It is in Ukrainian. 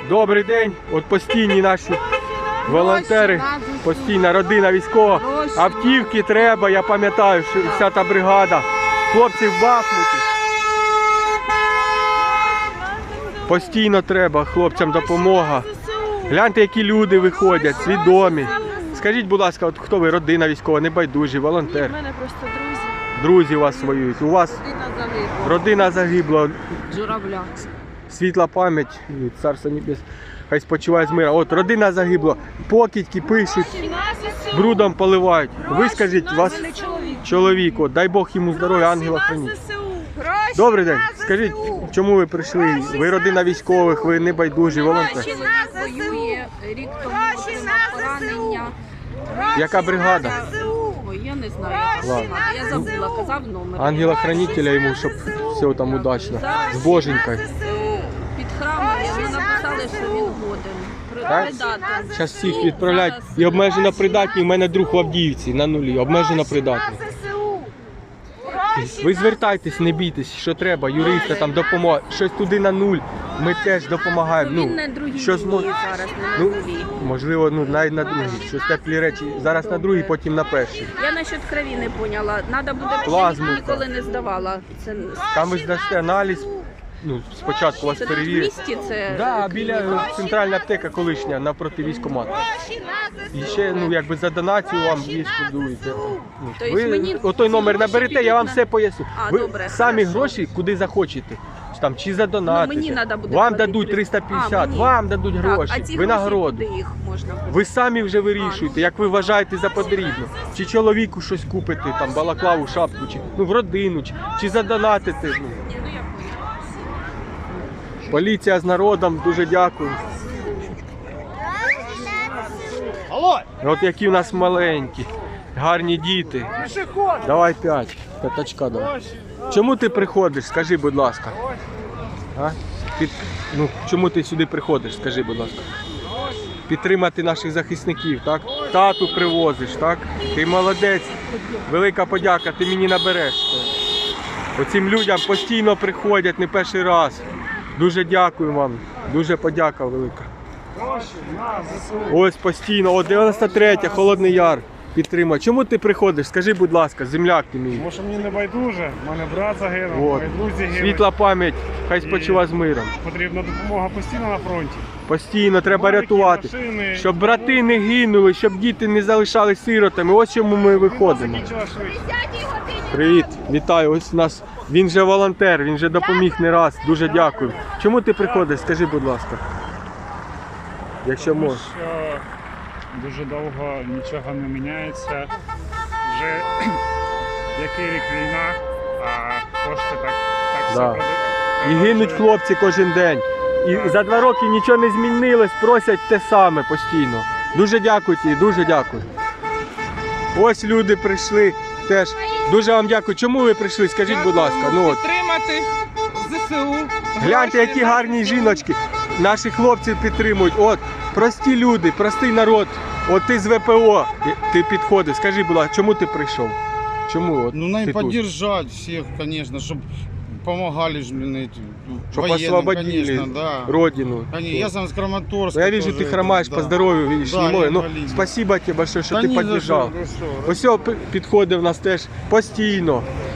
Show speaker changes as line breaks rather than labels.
Добрий день. От постійні наші волонтери, постійна родина військова. Автівки треба, я пам'ятаю, 60-та бригада. Хлопці в Бахмуті. Постійно треба хлопцям допомога. Гляньте, які люди виходять, свідомі. Скажіть, будь ласка, от хто ви? Родина військова, небайдужі, волонтер?
У мене просто друзі.
Друзі у вас воюють. У вас родина загибла.
Журавля.
Світла пам'ять, царство небес, хай спочиває з мира. От родина загибла, покидьки пишуть, брудом поливають. Ви скажіть, вас чоловік, от, дай Бог йому здоров'я, ангела храніть. Добрий день. Скажіть, чому ви прийшли? Ви родина військових, ви небайдужі, волонтери.
Чоловік воює, рік тому отримав поранення.
Яка бригада?
Ой, я не знаю.
Ладно.
Я забула, казав номер.
Ангела-хранителя йому, щоб все там удачно. З боженькою.
Під храмом йому написали, що він годен. Придатен.
Зараз всіх відправляють. І обмежено придатні, в мене друг в Авдіївці на нулі, обмежено придатні. Ви звертайтесь, не бійтесь, що треба, юристи там допомога. Щось туди на нуль, ми теж допомагаємо.
Він на другій
що
лінії зараз, не на нулі.
Можливо, навіть на другій. Щось теплі речі. Зараз на другій, потім на першій.
Я насчет крові не поняла. Надо буде,
Плазму.
я ніколи не здавала. Це
Там ви здасте аналіз, спочатку вас
це тут в
перевірять.
місті, це
Да, біля центральна аптека колишня, напроти військкомату. І ще, якби за донацію вам відшкодуєте. Ви отой номер наберете, я вам все поясню. Ви
добре,
самі
хорошо.
гроші куди захочете. Там, чи за донати.
мені надо буде
вам
платити.
дадуть 350,
мені.
вам дадуть гроші,
Так, а ці
винагороду.
гроші, куди їх можна буде?
Ви самі вже вирішуєте, як ви вважаєте за потрібно. Чи чоловіку щось купити, там, балаклаву, шапку, чи в родину, чи задонатити.
Ні, ну я поняла.
Поліція з народом, дуже дякую. От які в нас маленькі, гарні діти. Давай 5, п'ятачка давай. Чому ти приходиш, скажи, будь ласка. А? Чому ти сюди приходиш, скажи, будь ласка. Підтримати наших захисників, так? Тату привозиш, так? Ти молодець, велика подяка, ти мені набереш. Оцим людям постійно приходять, не перший раз. Дуже дякую вам, дуже подяка велика. Ось постійно, 93-я, Холодний Яр, підтримує. Чому ти приходиш? Скажи, будь ласка, земляк ти мій.
Тому що мені не байдуже, в мене брат загинув, мої друзі гинуть.
Світла пам'ять, хай спочива з миром.
Потрібна допомога постійно на фронті.
Постійно треба рятувати,
Машини.
щоб брати не гинули, щоб діти не залишались сиротами. Ось чому ми виходимо.
Закінчила швидше.
Привіт, вітаю, ось у нас, він же волонтер, він же допоміг не раз, дуже дякую. Чому ти приходиш, скажи, будь ласка, якщо
Тому
можеш.
що дуже довго нічого не міняється. Вже який рік війна, а кошти так
Да.
все
І гинуть хлопці кожен день. І за 2 роки нічого не змінилось, просять те саме постійно. Дуже дякую тобі, дуже дякую. Ось люди прийшли теж. Дуже вам дякую. Чому ви прийшли? Скажіть, будь ласка.
Підтримати ЗСУ.
Гляньте, які гарні жіночки. Наші хлопці підтримують. От, прості люди, простий народ. От ти з ВПО, ти підходиш. Скажи, будь ласка, чому ти прийшов? Чому? От,
надо
ти тут?
поддержать всех, конечно, чтобы помогали же, блин, эти
Щоб
военным,
освободили
конечно, да.
родину.
Конечно, я сам с Краматорска.
Я вижу,
тоже
ты хромаешь
это,
по
да.
здоровью, видишь,
Да,
не мой. Ну,
инвалид.
спасибо тебе большое, що
Та
ти
ні за
підтримав.
що, ви що.
Ось підходить в нас теж постійно.